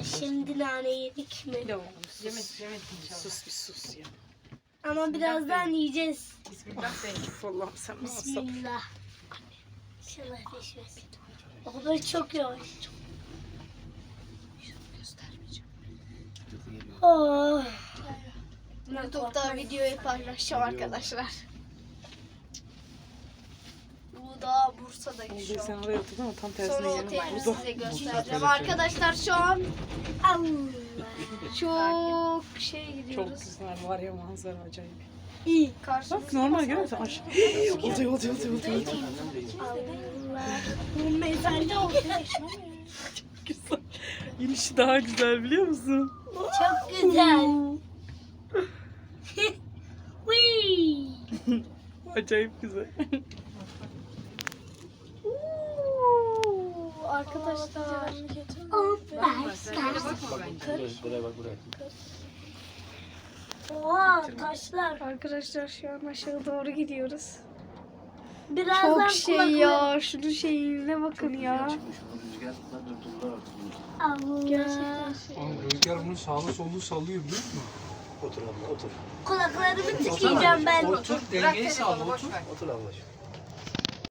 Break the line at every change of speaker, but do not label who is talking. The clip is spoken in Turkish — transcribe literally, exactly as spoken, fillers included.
şimdi nane yedik mi?
Yok. Yemek yemek inşallah.
Sus bir sus ya.
Ama birazdan yiyeceğiz.
Bismillah deyin.
Allah'ım sen bana sabır.
Bismillah. İnşallah düşmez. O kadar çok yavaş. Oh.
YouTube'da videoyu paylaşacağım arkadaşlar. Bu da Bursa'daki şu
Sen
an.
oraya oturdun ama tam
Sonra
tersine
otelini
yerim. Burada.
size göstereceğim. Arkadaşlar şu an
Allah.
çok şey
Çok
gidiyoruz.
güzel var ya, manzara acayip.
İyi.
Bak normal görüyor musun? Aşağı. Oluyor oluyor oluyor oluyor.
Allah. Bu mezarda oldu.
Güzel. İnişi daha güzel biliyor musun?
Çok güzel. Whee!
Acayip güzel.
Uuu, Arkadaşlar.
Oh my
Öyle
God.
bakma bence.
Buraya bak buraya.
Oha taşlar.
Arkadaşlar şu an aşağı doğru gidiyoruz.
Birazdan
Çok şey
kulakları-
ya. Şunun şeyine bakın ya.
Çıkmış onu rüzgarlar durdurdular artık bunu.
Allah.
Gerçekten şey.
Oğlum rüzgar bunu sağlı sollu sallıyor biliyor musun?
Otur abla otur.
Kulaklarımı tıkayacağım ben.
Otur
Bırak
dengeyi
telefonu
sağla
boş
otur.
ver.
Otur ablacığım.